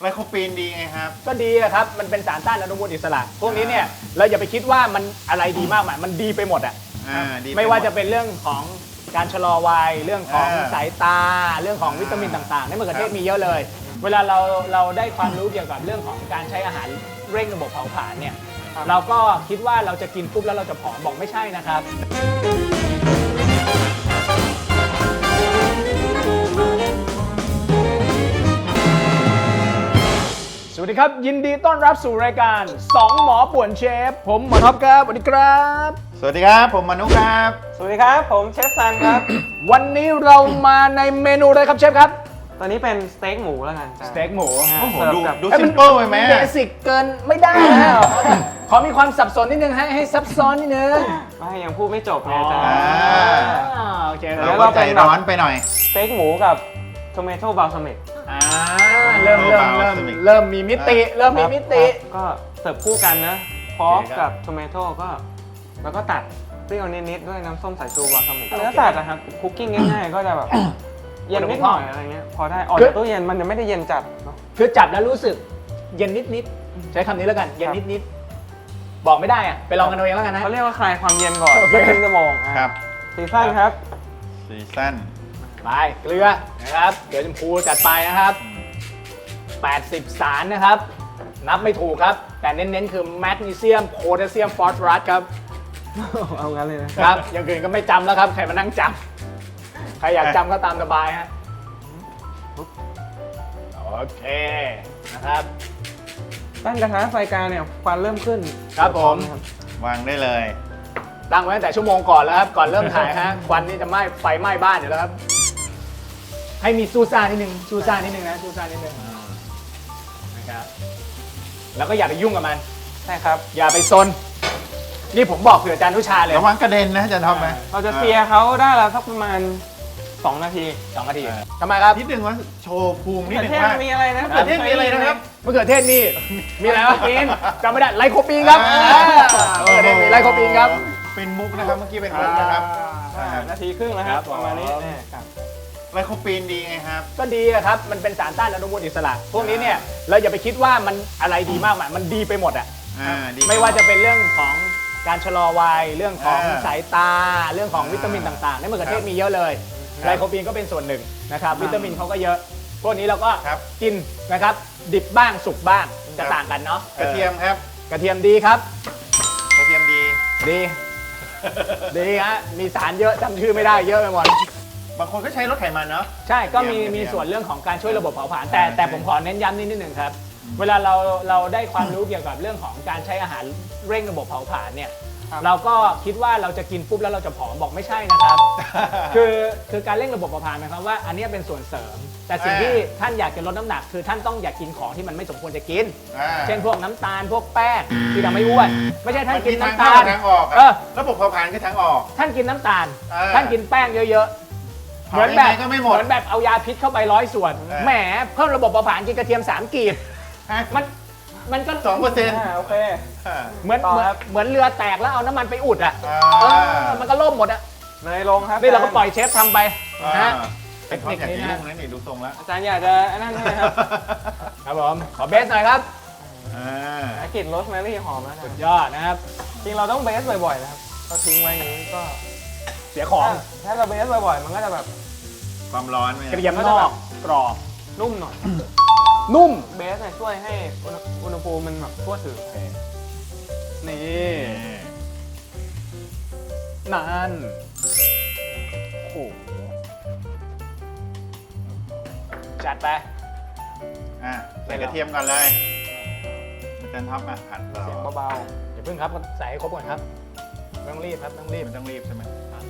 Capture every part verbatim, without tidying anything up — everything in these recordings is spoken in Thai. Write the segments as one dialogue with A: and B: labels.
A: ไลโคปีนดีไงครับ
B: ก็ดีครับมันเป็นสารต้านอนุมูลอิสระพวกนี้เนี่ยเราอย่าไปคิดว่ามันอะไรดีมากมายมันดีไปหมดอ่ะไม่ว่าจะเป็นเรื่องของการชะลอวัยเรื่องของสายตาเรื่องของวิตามินต่างๆในมะเขือเทศมีเยอะเลยเวลาเราเราได้ความรู้เกี่ยวกับเรื่องของการใช้อาหารเร่งระบบเผาผลาญเนี่ยเราก็คิดว่าเราจะกินปุ๊บแล้วเราจะผอมบอกไม่ใช่นะครับสวัสดีครับยินดีต้อนรับสู่รายการสองหมอป่วนเชฟผมหมอท็อปครับสวัสดีครับ
A: สวัสดีครับผมมนุครับ
C: สวัสดีครับผมเชฟซันครับ
B: วันนี้เรามาในเมนูอะไรครับเชฟครับ
C: ตอนนี้เป็นสเต็กหมูแล้วกัน
B: สเต็กหมู
A: โอ้โหดูดูซิมเปิลไปไหม
B: เบสิกเกินไม่ได้นะขอมีความสับสนนิดนึงให้ให้ซับซ้อนนิดนึง
C: ไม่ยังพูดไม่จบไงจ้า
B: โอเค
A: แล้วก็ใจร้อนไปหน่อย
C: สเต็กหมูกับโทเมโต้บาลซามิก
B: เริ่มเริ่มเริ่มเริ่มมีมิติเริ่มมีมิติ
C: ก็เสิร์ฟคู่กันนะพร้อมกับโทเมโต้ก็แล้วก็ตัดเปรี้ยวนิดๆด้วยน้ำส้มสายชูบาลซามิกเนื้อสัตว์นะครับคุกกิ้งง่ายๆก็จะแบบเย็นนิดหน่อยอะไรเงี้ยพอได้ออกจากตู้เย็นมันจะไม่ได้เย็นจัดเนาะ
B: คือจับแล้วรู้สึกเย็นนิดๆใช้คำนี้แล้วกันเย็นนิดๆบอกไม่ได้อะไปลองกันเอาเองแล้วกันนะ
C: เขาเรียกว่าคลายความเย็นก่อนครึ่งชั่วโมง
A: ครับ
C: ซีซั่นครับ
A: ซีซั่น
B: ไปเกลือนะครับเดี๋ยวชมพูจัดไปนะครับแปดสิบสารนะครับนับไม่ถูกครับแต่เน้นๆคือแมกนีเซียมโพแทสเซียมฟอสฟอรัสครับ
C: เอางั้นเลยนะครับ
B: อย่างอื่นก็ไม่จำแล้วครับใครมานั่งจำใครอยากจำก็ตามสบายฮะโอเคนะครับ
C: ตั้งกระทะไฟกลางเนี่ยควันเริ่มขึ้น
B: ครับผม
A: วางได้เลย
B: ตั้งไว้ตั้งแต่ชั่วโมงก่อนแล้วครับก่อนเริ่มถ่ายฮะควันนี่จะไหม้ไฟไหม้บ้านอยู่แล้วครับให้มีซูซ่านิดนึงซูซ่านิดนึงนะซูซ่านิดนึงนะครับแล้วก็อย่าไปยุ่งกับมัน
C: ใช่ครับ
B: อย่าไปซนนี่ผมบอกเผื่ออาจารย์นุชาเลย
A: ระวังกระเด็นนะอาจารย์ท็อปไหม
C: เราจะเสียเขาได้แล้วสักประมาณสองนาที
B: สองนาทีทำไมครับ
A: นิดนึงว่าโชว์ภูมินิดนึง
C: ว่ามีอะไรนะ
A: มะเขือเทศมีอะไรนะครับ
B: มะเขือเทศนี่มีอะไรวะปีนจำไม่ได้ไลโคปีนครับเออเนี่ยมีไลโคปีนครับ
A: เป็นมุกนะครับเมื่อกี้เป็นมุกนะครับ
C: นาทีครึ่งแล้วครับประมาณนี้
A: ไลโคปีนดีไงครับ
B: ก็ดีครับมันเป็นสารต้านอนุมูลอิสระพวกนี้เนี่ยเราอย่าไปคิดว่ามันอะไรดีมากมายมันดีไปหมดอ่ะไม่ว่าจะเป็นเรื่องของการชะลอวัยเรื่องของสายตาเรื่องของวิตามินต่างๆในมะเขือเทศมีเยอะเลยไลโคปีนก็เป็นส่วนหนึ่งนะครับวิตามินเขาก็เยอะพวกนี้เราก็กินนะครับดิบบ้างสุกบ้างจะต่างกันเนาะ
A: กระเทียมครับ
B: กระเทียมดีครับ
A: กระเทียมดี
B: ดีดีฮะมีสารเยอะจำชื่อไม่ได้เยอะไปหมด
A: บางคนก็ใช้ลดไขมันเนาะ
B: ใช่ก็มีมีส่วนเรื่องของการช่วยระบบเผาผลาญแต่แต่ผมขอเน้นย้ำนิดนิดหนึ่งครับเวลาเราเราได้ความรู้เกี่ยวกับเรื่องของการใช้อาหารเร่งระบบเผาผลาญเนี่ยเราก็คิดว่าเราจะกินปุ๊บแล้วเราจะผอมบอกไม่ใช่นะครับคือคือการเร่งระบบเผาผลาญหมายความว่าอันนี้เป็นส่วนเสริมแต่สิ่งที่ท่านอยากจะลดน้ำหนักคือท่านต้องอยากกินของที่มันไม่สมควรจะกินเช่นพวกน้ำตาลพวกแป้งที่ทำให้อ้วนไม่ใช่ท่านกินน้ำตาล
A: ทางออกระบบเผาผลาญคือทางออก
B: ท่านกินน้ำตาลท่านกินแป้งเยอะๆเหมือนแบบเหมือนแบบเอายาพิษเข้าไปร้อยส่วนแหมเพิ่มระบบเผาผลาญกินกระเทียมสามกีบมันมันก็
A: สองเปอร์เซ็นต์
C: โอเค
B: เหมือนเหมือนเรือแตกแล้วเอาน้ำมันไปอุดอ่ะมันก็ล่มหมดอ่ะ
C: เนยลงครับ
B: นี่เราก็ปล่อยเชฟทำไป
A: นะเทคนิคนี้นะนี่ดูทรงแล้ว
C: อาจารย์อยากจะนั่นใช่ไหมครับ
B: ครับผมขอเบสหน่อยครับ
C: กลิ่นโรสแมรี่หอมนะ
B: สุดยอดนะครับ
C: จริงเราต้องเบสบ่อยๆนะครับเราทิ้งไว้อย่างนี้ก็
B: เสียของ
C: ถ้าเราเบสบ่อยๆมันก็จะแบบ
A: ความร้อน
B: กระเทียมนอกกรอบ
C: นุ่มหน่อย
B: นุ่ม
C: เบสเนี่ยช่วยให้อุณหภูมิมันแบบทั่วถึง
B: นี่นั่นโอ้โหจัดไป
A: อ่ะใส่กระเทียมก่อนเลยอาจารย์ท็อปมาผัดเรา
C: เสียงเบา
B: ๆอย่าเพิ่งครับใส่ให้ครบก่อนครับไม่ต้องรีบครับต้องรีบ
A: มันต้องรีบใช่ไหม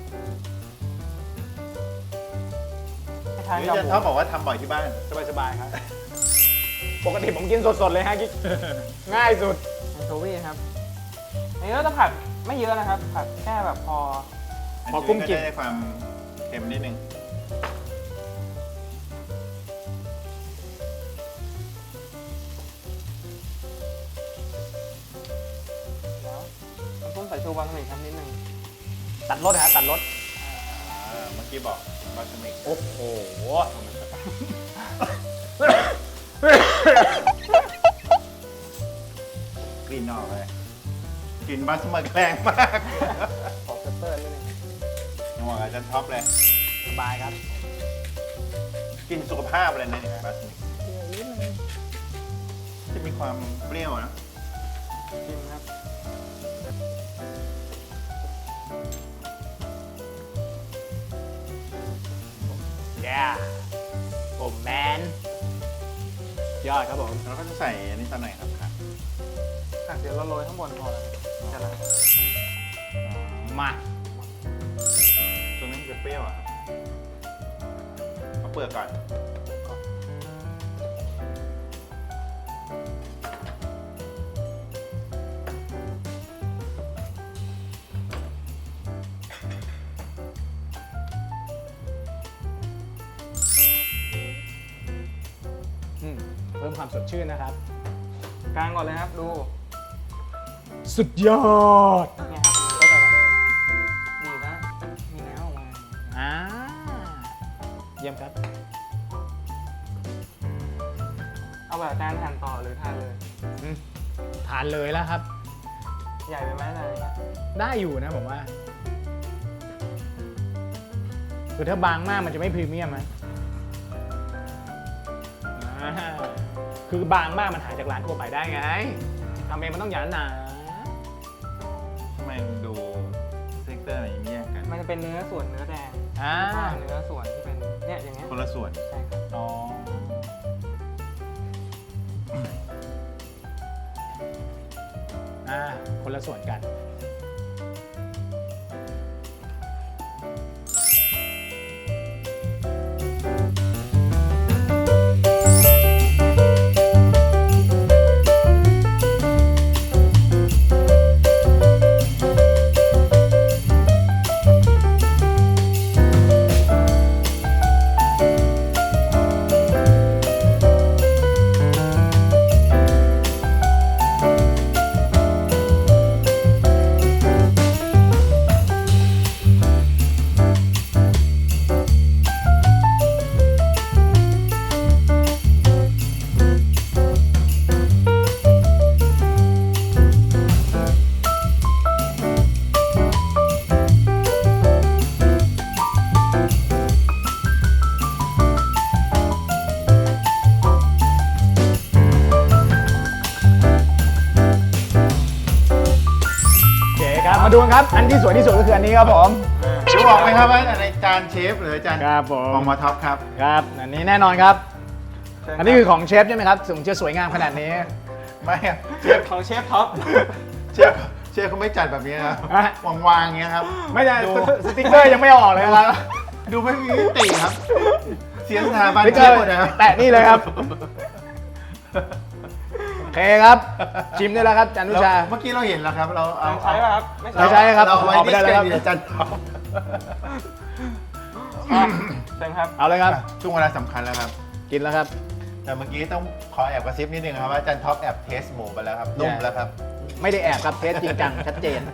A: อาจารย์ท็อปบอกว่าทำบ่อยที่บ้าน
B: สบายๆครับปกติผมกินสดๆเลยฮะกิ๊กง่ายสุด
C: แอนโชวีครับอันนี้เราจะผัดไม่เยอะนะครับผัดแค่แบบพอ
A: พอกุ้งกินได้ความเค็มนิดนึง
C: แล้วน้ำส้มสายชูบาสมิกครับนิดนึง
B: ตัดรสฮะตัดรส
A: เมื่อกี้บอกบาสมิก
B: โอ้โห
A: กลิ่นบาสมิกแรงมาก
C: ขอเปเปอร์นิดนึง
A: นัวอาจารย์ท็อปเลย
B: สบายครับ
A: กลิ่นสุขภาพเลยนะเนี่ยบาสมิกจะมีความเปรี้ยวนะ
C: ชิมครับ
B: yeah โอ้แมนยอดครับผม
A: แล้วก็จะใส่อันนี้ตอนไหนครับครับ
C: อ่ะเดี๋ยวเราโรยข้างบนพอแล้วจะละ
B: มา
A: ตรงนี้มันจะเปรี้ยวอ่ะครับเอาเปลือกก่อน
B: อืมเพิ่มความสดชื่นนะครับ
C: กลางก่อนเลยครับดู
B: สุดยอด
C: เนี่ยครับมันก็จะแบบดีนะมีน้ำออกมา
B: อ่าเยี่ยมครับ
C: เอาแบบจานหั่นต่อหรือทานเลย
B: อืมทานเลยแล้วครับ
C: ใหญ่ไปไหมอะไรอย่างเงี้ย
B: ได้อยู่นะผมว่าคือถ้าบางมากมันจะไม่พรีเมียมนะอ่าคือบางมากมันหาจากร้านทั่วไปได้ไงทำเองมันต้องหยาหนา
A: ทำไมมันดูเซกเตอร์อะไรแยกกัน
C: มันจะเป็นเนื้อส่วนเนื้อแดง
B: อ่า
C: แล้วก็เนื้อส่วนที่เป็นเนี่ยอย่างเงี้ย
A: คนละส่วน
C: ใช่ครับ
B: อ๋ออ่าคนละส่วนกัน โอเคครับ มาดูกันครับ อันที่สวยที่สุดก็คืออันนี้ครับผม
A: รู้บอกไหมครับว่าในจานเชฟหรือจาน
B: ครับผม
A: ของมาท็อปครับ
B: ครับ อันนี้แน่นอนครับ
C: เชิญ
B: อันนี้คือของเชฟใช่ไหมครับถึงจะสวยงามขนาดนี้
A: ไม่อะเชฟ
C: ของเชฟท็อป
A: เชฟเชฟเขาไม่จัดแบบนี้นะ
B: อ่ะ
A: วางๆอย่างเงี้ยครับ
B: ไม่ใช่
A: ดู
B: สติ๊กเกอร์ยังไม่ออกเลยครับ
A: ดูไม่มีมิติครับ เสียสถาบัน
B: สติ๊ก
A: เช
B: เกอ
A: ฟ
B: ร์
A: หมดนะครับ
B: แตะนี่เลยครับ โอเคครับ ชิมได้แล้วครับจันนุชา
A: เมื่อกี้เราเห็นแล้วครับ เราเอา
C: ใช้ป่ะครับ ไม่
B: ไม่
C: ใช้
B: ใช่ครับ
A: เราเอาไว้
B: ออกไป
A: ดิส
B: ได้
A: แก
B: แล้ว
A: น
B: ครับ
A: ดิจันท็อป
C: อ่ะเชิญครับ
B: เอาเลยครับ
A: ช่วงเวลาสำคัญแล้วครับ
B: กินแล้วครับ
A: แต่เมื่อกี้ต้องขอแอบกระซิบนิดนึงครับว่าจันท็อปแอบเทสหมูไปแล้วครับนุ่มแล้วครับ
B: ไม่ได้แอบครับเทสจริงจังชัดเจน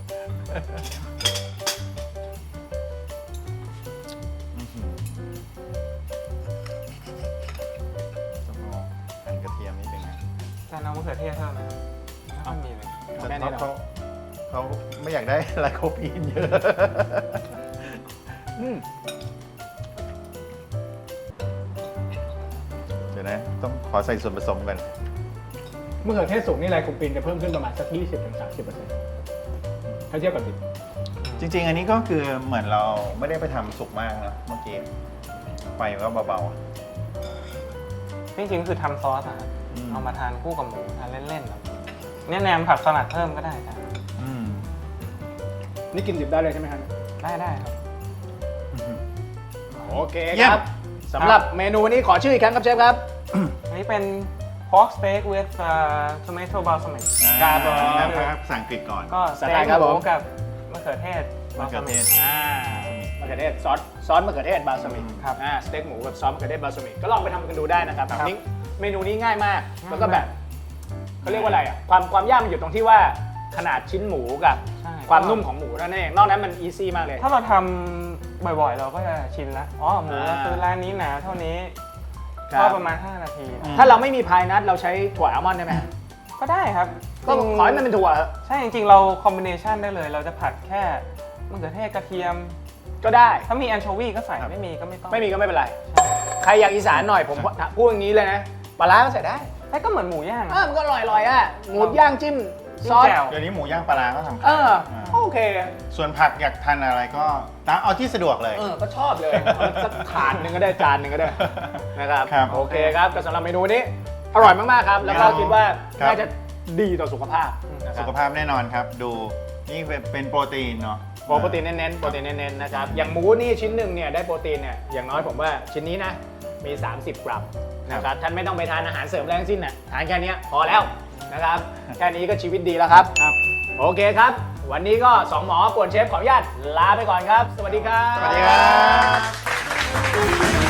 A: ต้องเอาหั่นกระเทียมนิดนึงนะ
C: จานเอามะเขือเทศเพิ่มไหมไม่ค่อยมีเลย
A: จัน
B: แค่นี้
A: ท็อป
B: เหรอ
A: เขาเขาไม่อยากได้ไลโคพีนเยอะ
B: อืม
A: เดี๋ยวนะ ต้องขอใส่ส่วนผสมกัน
B: มะเขือเทศสุกนี่ไรคุปปินจะเพิ่มขึ้นประมาณสัก ยี่สิบถึงสามสิบเปอร์เซ็นต์ ถ้าเทียบกับดิบ
A: จริง ๆ อันนี้ก็คือเหมือนเราไม่ได้ไปทำสุกมากนะเมื่อกี้ไฟก็เบา
C: จริงๆคือทำซอสอะครับ
A: อืม
C: เอามาทานคู่กับหมูทานเล่นๆแบบเนี่ยแนมผักสลัดเพิ่มก็ได้ครับ
A: ๆอืม
B: นี่กินดิบได้เลยใช่ไหมครับ
C: ได้ได้ครับ
B: โอเค
A: เยี่ย
B: ค
A: ม
B: รับสำหรับเมนูวันนี้ขอชื่ออีกครั้งครับเชฟครับ
C: อันนี้เป็น pork steak with uh, tomato balsamic
B: ครับผม
A: นะครับภาษาอังกฤษก่อน
C: ก็ส
B: สไต
C: เต็
B: ล์
C: ก
B: ครับ
C: ห
B: ผ
C: มู
B: ม
C: กับมะเขือเทศ
A: มะเขือเทศ
C: balsamic
B: อ่ามะเขือเทศซอสซอสมะเขือเทศบาสมิก
C: ครับ
B: อ่าสเต็กหมูกับซอสมะเขือเทศบาสมิกก็ลองไปทำกันดูได้นะครับ
C: ครับ
B: นี่เมนูนี้ง่ายมาก
C: ง่ายมาก
B: แล้วก็แบบเขาเรียกว่าอะไรอ่ะความความยากมันอยู่ตรงที่ว่าขนาดชิ้นหมูกับ
C: ใช่
B: ความนุ่มของหมูนั่นเองนอกนั้นมันอีซี่มากเลย
C: ถ้าเราทำบ่อยๆ เราก็จะชินละอ๋อหมู
B: อ่า
C: คือร้านนี้หนาเท่านี้
B: ครับ
C: ก็ประมาณ ห้า นาที
A: อืม
B: ถ้าเราไม่มีพายนัทเราใช้ถั่วอัลมอนด์ได้ไหม
C: ก็ได้ครับ
B: ก็ขอให้มันเป็นถั่ว
C: ใช่จริงๆเราคอมบิเนชันได้เลย เราจะผัดแค่มะเขือเทศกระเทียม
B: ก็ได้
C: ถ้ามีแอนโชวีก็ใส่ไม่มีก็ไม่ต้อง
B: ไม่มีก็ไม่เป็นไร ใครอยากอีสานหน่อยผมพูดอย่างนี้เลยนะปลาร้าก็ใส่ได้
C: แต่ก็เหมือนหมูย่าง
B: เออมันก็อร่อยๆอ่ะหมูย่างจิ้มซอส
C: แจ่ว
A: เดี๋ยวนี้หมูย่างปลาร้าก็ทำ
B: เอ
A: ขาย
B: อ
A: อ่า
B: โอเค
A: ส่วนผักอยากทานอะไรก็ตามเอาที่สะดวกเลย
B: เออก็ชอบเลยเอาสักถาดหนึ่งก็ได้จานหนึ่งก็ได้นะครับ
A: ครับ
B: โอเคครับก็สำหรับเมนูนี้อร่อยมากๆครับ แล้วก็คิดว่า
A: ครับ
B: น่าจะดีต่อสุขภาพนะครั
A: สุ
B: บ
A: ขภาพแน่นอนครับ ดูนี่เป็นเป็นโปรตีนเนาะ
B: โปรตีนเน้นๆโปรตีนเน้นๆนะครับอย่างหมูนี่ชิ้นหนึ่งเนี่ยได้โปรตีนเนี่ยอย่างน้อยผมว่าชิ้นนี้นะมี สามสิบ กรัมนะครับท่านไม่ต้องไปทานอาหารเสริมแรงสิ้นน่ะทานแค่นี้พอแล้วนะครับแค่นี้ก็ชีวิตดีแล้วครับ
C: ครับ
B: โอเคครับ วันนี้ก็สองหมอป่วนเชฟขออนุญาตลาไปก่อนครับ สวัสดีครับ
A: สวัสดีครับ